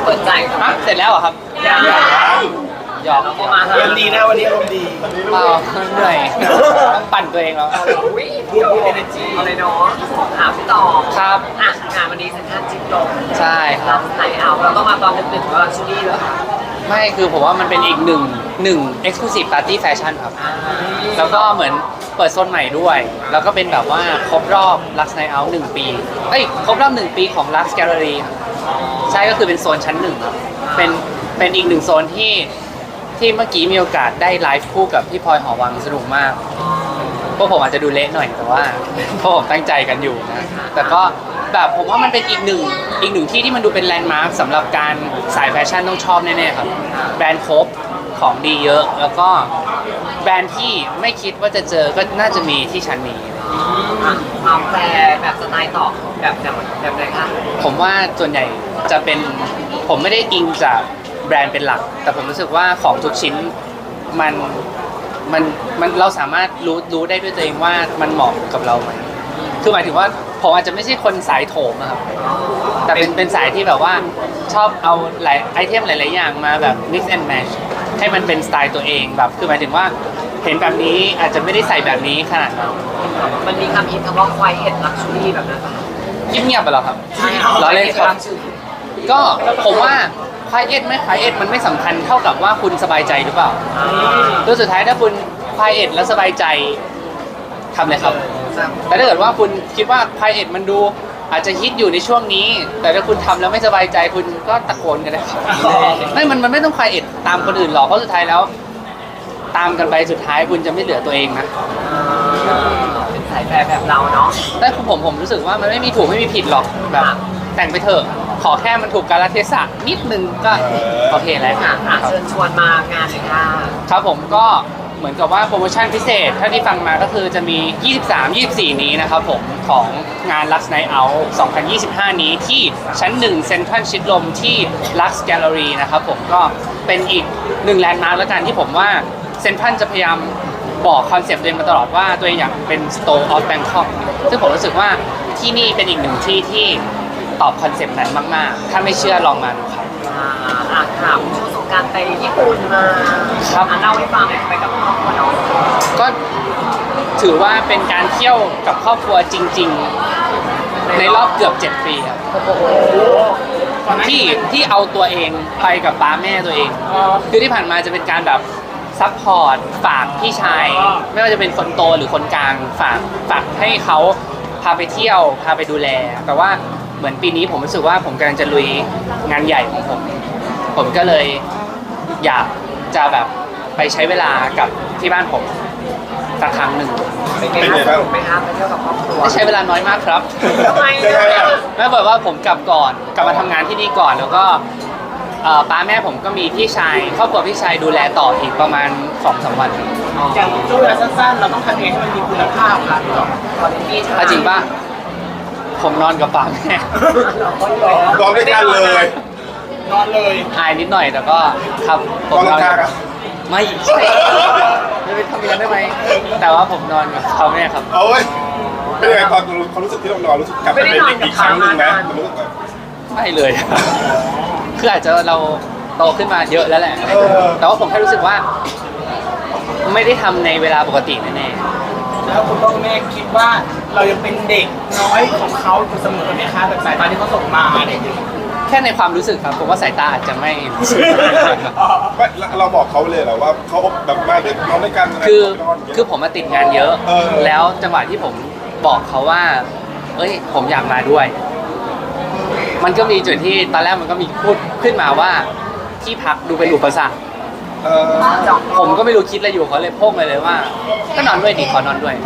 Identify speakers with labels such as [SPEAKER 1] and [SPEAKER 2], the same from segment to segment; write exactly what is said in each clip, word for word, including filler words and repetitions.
[SPEAKER 1] เปิดใจฮะ
[SPEAKER 2] เสร็จแล้วเหรอครับ
[SPEAKER 1] ยัง
[SPEAKER 2] หยอก
[SPEAKER 1] เราก็มา
[SPEAKER 3] อารมณ์ดีนะวันนี้อารมณ์ดี
[SPEAKER 2] เปล่าเหนื่อยต้องปั่นตัวเองแล้ว
[SPEAKER 1] อุ้ยพูดพูดเอเนจีอะไรเนาะถามพี่ต่อ
[SPEAKER 2] ครับ
[SPEAKER 1] อ่ะงานวันนี้เซ็นทรัลจิ๊กลง
[SPEAKER 2] ใช่ค
[SPEAKER 1] รั
[SPEAKER 2] รั
[SPEAKER 1] บบ ไหนเอาแล้วก็มาตอนดึกๆว่าชูรี่เหรอคะ
[SPEAKER 2] ไม่คือผมว่ามันเป็นอีกหนึ่งหนึ่ง exclusive party fashion ครับ แล้วก็เหมือนเปิดโซนใหม่ด้วย แล้วก็เป็นแบบว่าครบรอบ Lux Night Out หนึ่งปีเอ้ยครบรอบหนึ่งปีของ Lux Gallery ครับใช่ก็คือเป็นโซนชั้นหนึ่งครับเป็นเป็นอีกหนึ่งโซนที่ที่เมื่อกี้มีโอกาสได้ไลฟ์คู่กับพี่พลอยหอวังสนุกมากพวกผมอาจจะดูเละหน่อยแต่ว่าพวกผมตั้งใจกันอยู่นะแต่ก็แบบผมว่ามันเป็นอีกหนึ่งอีกหนึ่งที่ที่มันดูเป็นแลนด์มาร์คสำหรับการสายแฟชั่นต้องชอบแน่ๆครับแบรนด์ครบของดีเยอะแล้วก็แบรนด์ที่ไม่คิดว่าจะเจอก็น่าจะมีที่ชั้นนี้
[SPEAKER 1] อ่ะความแปลแบบสไตล์ต่อแบบแบบแบบไหนคะ
[SPEAKER 2] ผมว่าส่วนใหญ่จะเป็นผมไม่ได้อิงจากแบรนด์เป็นหลัก แต่ผมรู้สึกว่าของทุกชิ้นมันมันมันเราสามารถรู้รู้ได้ด้วยตัวเองว่ามันเหมาะกับเราไหมคือหมายถึงว่าผมอาจจะไม่ใช่คนสายโถมนะครับแต่เป็นเป็นสายที่แบบว่าชอบเอาหลายไอเทมหลายๆอย่างมาแบบ mix and match ให้มันเป็นสไตล์ตัวเองแบบคือหมายถึงว่าเห็นแบบนี้อาจจะไม่ได้ใส่แบบนี้ขนาดนั้น
[SPEAKER 1] มันมีคำฮิตคำว่าควายเห็ดลักชูรี่แบบนั้นปะ
[SPEAKER 2] เงียบๆไปหรอครับ
[SPEAKER 1] ใช่ค่ะ
[SPEAKER 2] ล้อเล่นครับ ก็ผมว่าคลายเอ็ดไม่คลายเอ็ดมันไม่สำคัญเท่ากับว่าคุณสบายใจหรือเปล่าตัวสุดท้ายถ้าคุณคลายเอ็ดแล้วสบายใจทำเลยครับ แต่ถ้าเกิดว่าคุณคิดว่าคลายเอ็ดมันดูอาจจะฮิตอยู่ในช่วงนี้ แต่ถ้าคุณทำแล้วไม่สบายใจคุณก็ตะโกนกันได้ครับไม่มันมันไม่ต้องคลายเอ็ดตามคนอื่นหรอกเพราะสุดท้ายแล้ว ตามกันไปสุดท้ายคุณจะไม่เหลือตัวเองนะ
[SPEAKER 1] เป็นสายแปลแบบเราเนาะ
[SPEAKER 2] แต่ผมผมรู้สึกว่ามันไม่มีถูกไม่มีผิดหรอกแบบแต่งไปเถอะขอแค่มันถูกกาลเทศะนิดนึงก็โอเคแล้ว
[SPEAKER 1] ค่ะอ่ะเชิญชวนมางานเลยค่ะ
[SPEAKER 2] ครับผมก็เหมือนกับว่าโปรโมชั่นพิเศษถ้าที่ฟังมาก็คือจะมี ยี่สิบสาม ยี่สิบสี่ นี้นะครับผมของงาน Lux Night Out สองพันยี่สิบห้า นี้ที่ชั้นหนึ่งเซ็นทรัลชิดลมที่ Lux Gallery นะครับผมก็เป็นอีกหนึ่งแลนด์มาร์คแล้วกันที่ผมว่าเซ็นทรัลจะพยายามบอกคอนเซปต์ตัวเองมาตลอดว่าตัวเองอยากเป็น Store of Bangkok ซึ่งผมรู้สึกว่าที่นี่เป็นอีกหนึ่งที่ที่ตอบคอนเซปต์นั้นมากๆถ้าไม่เชื่อลองมาดูครับ
[SPEAKER 1] อ่าอ่ะถามช่วงสงกรารไปญี่ปุ่นมา
[SPEAKER 2] ครับ
[SPEAKER 1] อ่ะเล่าให้ฟังหน่อยไปกับครอบครัวเนาะ
[SPEAKER 2] ก็ถือว่าเป็นการเที่ยวกับครอบครัวจริง ๆ ในรอบเกือบเจ็ดปีครับที่ที่เอาตัวเองไปกับป้าแม่ตัวเอง คือที่ผ่านมาจะเป็นการแบบซัพพอร์ตฝากพี่ชาย ไม่ว่าจะเป็นคนโตหรือคนกลางฝากฝากให้เขาพาไปเที่ยวพาไปดูแล แต่ว่าเหมือนปีนี้ผมรู้สึกว่าผมกำลังจะลุยงานใหญ่ของผม ผมก็เลยอยากจะแบบไปใช้เวลากับที่บ้านผมสักครั้งหนึ่ง
[SPEAKER 1] เป็นไงคะสนุกไหมคะไปเที่ยวกับครอบครัว
[SPEAKER 2] ใช้เวลาน้อยมากครับ
[SPEAKER 1] ทำไม
[SPEAKER 3] ใช่ไหมอ่ะ
[SPEAKER 2] แม่บอกว่าผมกลับก่อนกลับมาทำงานที่นี่ก่อนแล้วก็เอ่อป้าแม่ผมก็มีพี่ชายครอบครัวพี่ชายดูแลต่ออีกประมาณสองสามวัน
[SPEAKER 3] อย่างช่วงเวลาสั้นๆ เราต้องทำเองให้มันมีคุณภาพค่ะพี่ต่อ
[SPEAKER 1] ตอนนี้
[SPEAKER 2] ถ้าจริงป่ะผมนอนกับป้าแม่
[SPEAKER 3] นอนด้วยกันเลย นอนเลย
[SPEAKER 2] อายนิดหน่อยแต่ก็ครับผ
[SPEAKER 3] นอ
[SPEAKER 2] ม
[SPEAKER 3] น
[SPEAKER 2] นอน
[SPEAKER 3] ข้างๆอ่ะ
[SPEAKER 2] ไม่ใช่ไม่ไปทำอย่างนั้นได้ไหมแต่ว่าผมนอนกับเขาเนี่ยครับ
[SPEAKER 3] เอาเว้ยเป็นยังไงตอนความรู้สึกที่เรานอนรู้สึกกลับไปเป็นเด็กอีกครั้งหนึ่งไหมมันรู้สึกแบบ
[SPEAKER 2] ไม่เลย คืออาจจะเราโตขึ้นมาเยอะแล้วแหละ
[SPEAKER 3] เออ
[SPEAKER 2] แต่ว่าผมแค่รู้สึกว่า ไม่ได้ทำในเวลาปกติแน่
[SPEAKER 4] แล้วคุณพ่อคุณแม่คิดว่าเรายังเป็นเด็กน้อยของเขาอยู่เสมอไหมคะแบบสายตาที่เขาส่งมาอะไรอย่างเงี้ย
[SPEAKER 2] ๆแค่ในความรู้สึกครับ ผมว่าสายตาอาจจะไม่รู้สึก
[SPEAKER 3] ไม่เราบอกเขาเลยเหรอว่าเขาแบบมาเด็กนอนด้วยกันอะไร
[SPEAKER 2] คือ
[SPEAKER 3] นอนย่างเงี้ย
[SPEAKER 2] คือผมมาติดงานเยอะ
[SPEAKER 3] เออ
[SPEAKER 2] แล้วจังหวะที่ผมบอกเขาว่า เอ้ย ผมอยากมาด้วย มันก็มีจุดที่ตอนแรกมันก็มีพูดขึ้นมาว่าที่พักดูเป็นอุปสรรค
[SPEAKER 3] เออ
[SPEAKER 2] ผมก็ไม่รู้คิดอะไรอยู่เขาเลยโพ่งไปเลยว่า ก็นอนด้วยดิขอนอนด้วย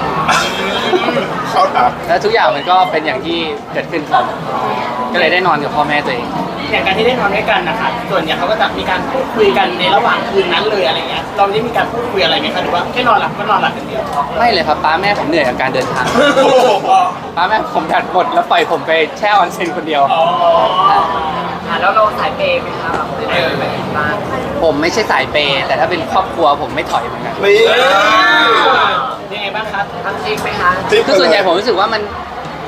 [SPEAKER 3] เขาถาม
[SPEAKER 2] แล้วทุกอย่างมันก็เป็นอย่างที่เกิดขึ้นครับก็เลยได้นอนกับพ่อแม่ตัวเอง
[SPEAKER 4] อย่างการที่ได้นอนด้วยกันนะคะส่วนใหญ่เขาก็จะมีการพูดคุยกันในระหว่างคืนนั้นเลยอะไรเงี้ยเราได้มีการพูดคุยอะไรไหมคะหรือว่าแค่นอนหลับก็นอนหลับอย่างเดียว
[SPEAKER 2] ไม่เลยครับป้าแม่ผมเหนื่อยกับการเดินทาง
[SPEAKER 3] โอ้โห
[SPEAKER 2] ป้าแม่ผมแบตหมดแล้วปล่อยผมไปแช่ออนเซ็นคนเดียว
[SPEAKER 4] อ๋อ
[SPEAKER 1] อ่ะแล้วเราสายเปย์ไหมคะแบบได้ไปแบบบ้าน
[SPEAKER 2] ผมไม่ใช่สายเปย์แต่ถ้าเป็นครอบครัวผมไม่ถอยเหมือนกัน
[SPEAKER 3] นี่
[SPEAKER 4] ยังไงบ้างครับ
[SPEAKER 1] ทำจริงไหมคะ
[SPEAKER 3] จิ๊บ
[SPEAKER 2] คือส่วนใหญ่ผมรู้สึกว่ามัน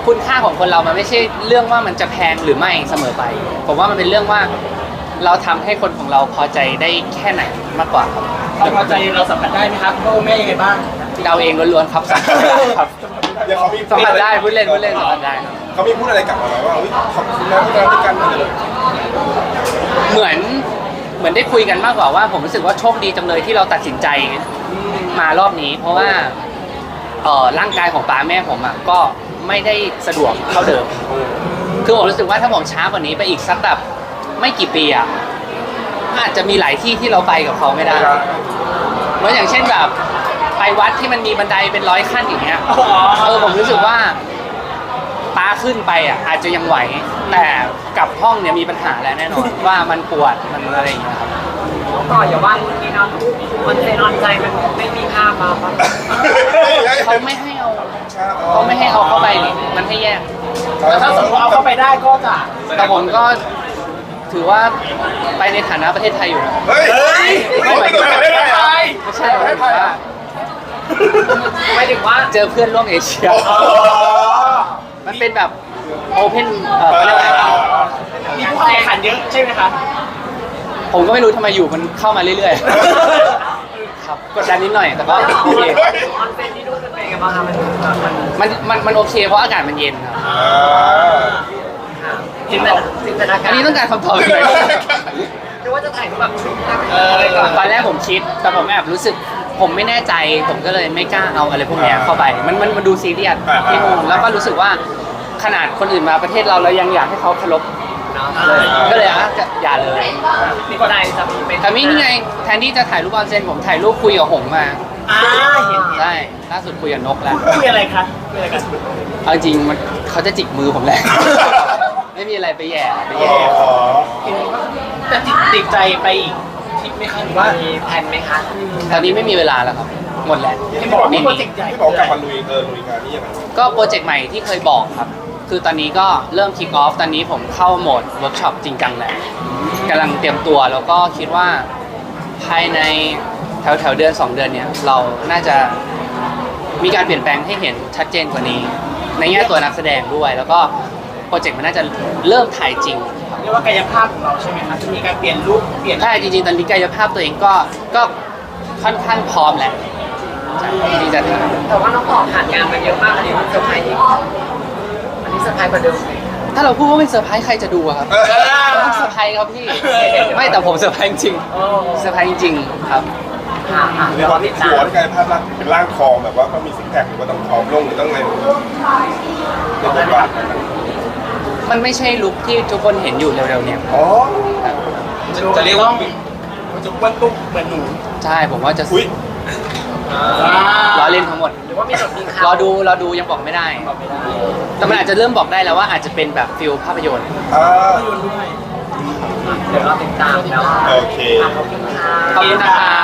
[SPEAKER 2] คุณค่าของคนเรามันไม่ใช่เรื่องว่ามันจะแพงหรือไม่เสมอไป ผมว่ามันเป็นเรื่องว่าเราทำให้คนของเราพอใจได้แค่ไหนมากกว่าครับ
[SPEAKER 4] ความพอใจเราสัมผัสได้ไหมครับพ่อแม่ยังไงบ้าง
[SPEAKER 2] เราเองล้วนๆครับสัมผัสได้ครับ
[SPEAKER 3] เดี๋ยวเขามี
[SPEAKER 2] สัมผัสได้พูดเล่นพูดเล่นสัมผัสได้ครับ
[SPEAKER 3] เขามีพูดอะไรกลับมาไหมว่าอุ๊ยขอบคุณนะที่มาด้วยกันมาเลย
[SPEAKER 2] เหมือนเหมือนได้คุยกันมากกว่าว่าผมรู้สึกว่าโชคดีจังเลยที่เราตัดสินใจมารอบนี้ เพราะว่าเอ่อร่างกายของป้าแม่ผมอ่ะก็ไม่ได้สะดวกเท่าเดิม คือผมรู้สึกว่าถ้าผมช้ากว่านี้ไปอีกสักแบบไม่กี่ปีอ่ะอาจจะมีหลายที่ที่เราไปกับเขาไม่ได้เหมือนอย่างเช่นแบบไปวัดที่มันมีบันไดเป็นร้อยขั้นอย่างเงี้ยเออผมรู้สึกว่าป้าขึ้นไปอ่ะอาจจะยังไหวแต่กลับห้องเนี่ยมีปัญหาแล้วแน่นอน ว่ามันปวดมันอะไรอย่างเงี้ยครับ
[SPEAKER 1] ก่อนอย่าว่าคนนี้นะมันใจนอนใจมันไม่มีภาพมาปะ
[SPEAKER 2] เขาไม่ให้เอาเขาไม่ให้เอาเข้าไปนี่มันให้แยก
[SPEAKER 4] แต่ถ้าสมมติเอาเข้าไปได้ก็จะ
[SPEAKER 2] แต่ผมก็ถือว่าไปในฐานะประเทศไทยอยู่นะ
[SPEAKER 3] เฮ้ย
[SPEAKER 2] ไม่หมายถึง
[SPEAKER 3] ไม่ได้ไทย
[SPEAKER 2] ไม่ใช่หมายถึงว่า
[SPEAKER 1] หมายถึงว่า
[SPEAKER 2] เจอเพื่อนร่วมเอเชีย
[SPEAKER 3] อ๋อ
[SPEAKER 2] มันเป็นแบบโอเพนเอ่อเขาเรียกว่าอะไร
[SPEAKER 4] มีผู้เข้าแข่งขันเยอะใช่ไหมคะ
[SPEAKER 2] ผมก็ไม่รู้ทำไมอยู่มันเข้ามาเรื่อยๆ ครับกดดันนิดหน่อยแต่ก็
[SPEAKER 1] แล้ว
[SPEAKER 2] โอเค
[SPEAKER 1] ออนเฟนที่นู่นเป็นไงกันบ้างคะมันมัน
[SPEAKER 2] มันมันมันโอเคเพราะอากาศมันเย็นครับ
[SPEAKER 3] อ่า
[SPEAKER 1] ค่ะจินตนาจินตนาการ
[SPEAKER 2] อันนี้ต้องการคำตอบเลย
[SPEAKER 1] นึกว่าจะถ่ายรูปแบบชุดอะไรก่อน
[SPEAKER 2] ตอนแรกผมคิดแต่ผมแอบรู้สึก ผมไม่แน่ใจ ผมก็เลยไม่กล้าเอาอะไรพวกเนี้ยเข้าไป มันมันมันดูซีเรียสที่นู่นแล้วก็รู้สึกว่าขนาดคนอื่นมาประเทศเราเรายังอยากให้เขาเคารพ
[SPEAKER 1] เนาะ
[SPEAKER 2] เลย ก็เลยอ่ะจะอย่าเลย
[SPEAKER 1] มีคนใดจะมีเป็น
[SPEAKER 2] แต่นี่ไงแทนที่จะถ่ายรูปออนเซนผมถ่ายรูปคุยกับหงส์มา
[SPEAKER 4] อ่าเห็น
[SPEAKER 2] ใช่ล่าสุดคุยกับนกแล้ว
[SPEAKER 4] คุยอะไรคะคุยอะไรกัน
[SPEAKER 2] เอาจริงมันเขาจะจิกมือผมแหละ ไม่มีอะไรไปแย่ไป
[SPEAKER 3] อ๋
[SPEAKER 2] แย่
[SPEAKER 3] อ
[SPEAKER 4] จะติดติดใจไปอีกทริปไหมคะหรือว่า
[SPEAKER 1] มีแผนไหมคะ
[SPEAKER 2] ตอนนี้ไม่มีเวลาแล้วครับ หมดแล้ว
[SPEAKER 4] ที่บอกว่ามีโปรเจกต์ใหญ่
[SPEAKER 3] ที่บอกกลับมาลุยเออลุยงานนี่ยังไง
[SPEAKER 2] ก็โปรเจกต์ใหม่ที่เคยบอกครับ คือตอนนี้ก็เริ่มคิกออฟตอนนี้ผมเข้าโหมดเวิร์กช็อปจริงจังแหละกำลังเตรียมตัวแล้วก็คิดว่าภายในแถวแถวๆเดือนสองเดือนเนี่ยเราน่าจะมีการเปลี่ยนแปลงให้เห็นชัดเจนกว่านี้ ในแง่ตัวนักแสดงด้วย แล้วก็โปรเจกต์มันน่าจะเริ่มถ่ายจริง
[SPEAKER 4] เรียกว่ากายภาพของเราใช่ไหมคะจะมีการเปลี่ยนรูปเปลี่ยน
[SPEAKER 2] ใช่จริงๆตอนนี้กายภาพตัวเองก็ก็ค่อนข้างพร้อมแล้วใช่ที่จะถ่าย
[SPEAKER 1] แต่ว่าน้องต่อผ่านงานมาเยอะมากอันนี้มันเซอร์ไพรส์อีกอันนี้เซอร์ไพรส์กว่าเดิมเลย
[SPEAKER 2] ถ้าเราพูดว่าไม่เซอร์ไพรส์ใครจะดูอะครับต้องเซอร์ไพรส์ครับพี่ ไม่แต่ผมเซอร์ไพรส์จริงๆเซอร์ไพรส์จริงๆครับ
[SPEAKER 1] ค่ะค่ะ
[SPEAKER 3] เรี
[SPEAKER 1] เดี๋
[SPEAKER 3] ย
[SPEAKER 1] ยว
[SPEAKER 3] ก
[SPEAKER 1] รอ
[SPEAKER 3] ว่า
[SPEAKER 1] ติ
[SPEAKER 3] ที่
[SPEAKER 1] ด
[SPEAKER 3] หั
[SPEAKER 1] ตาว ม
[SPEAKER 3] ที่กลายภาพลักษณ์เป็นร่างทองแบบว่าก็มีซิกแพคหรือว่าต้องผอมลงหรือต้องอะไรในบทบาทนั้น
[SPEAKER 2] มันไม่ใช่ลุคที่ทุกคนเห็นอยู่เร็วๆเนี่ย
[SPEAKER 3] อ๋อ
[SPEAKER 4] จะเรียกว่ามันจะอ้วนตุ้มเหมือนหนู
[SPEAKER 2] ใช่ผมว่าจะ
[SPEAKER 3] อุ้ย
[SPEAKER 2] ล้อเล่นทั้งหมด
[SPEAKER 1] หรือว่ามีแบบมีข่าว
[SPEAKER 2] รอดูรอดูยังบอกไม่ได้ แต่มันอาจจะเริ่มบอกได้แล้วว่าอาจจะเป็นแบบฟิลภาพยนตร์
[SPEAKER 3] อ่า
[SPEAKER 1] เดี๋ยวรอติดตามแล้ว
[SPEAKER 3] โอเค
[SPEAKER 1] ขอบคุณค่ะ
[SPEAKER 2] ขอบคุณนะครับ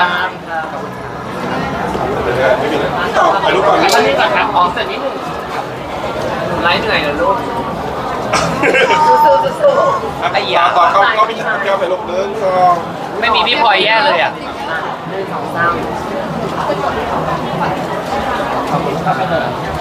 [SPEAKER 3] ไม่มีเลยต่อไปรูปก่อน
[SPEAKER 1] อันนี้ก่อนครับอ๋อเสร็จนิดนึงไลฟ์เหนื่อยเหรอลูกสู้ๆสู้ๆ
[SPEAKER 3] ไอ้ยาต่อเขาเขาไปยิงแก้วไปลบเดินก็
[SPEAKER 2] ไม่มีพี่พลอยแย่เลยอ่ะ
[SPEAKER 1] หนึ่งสองสาม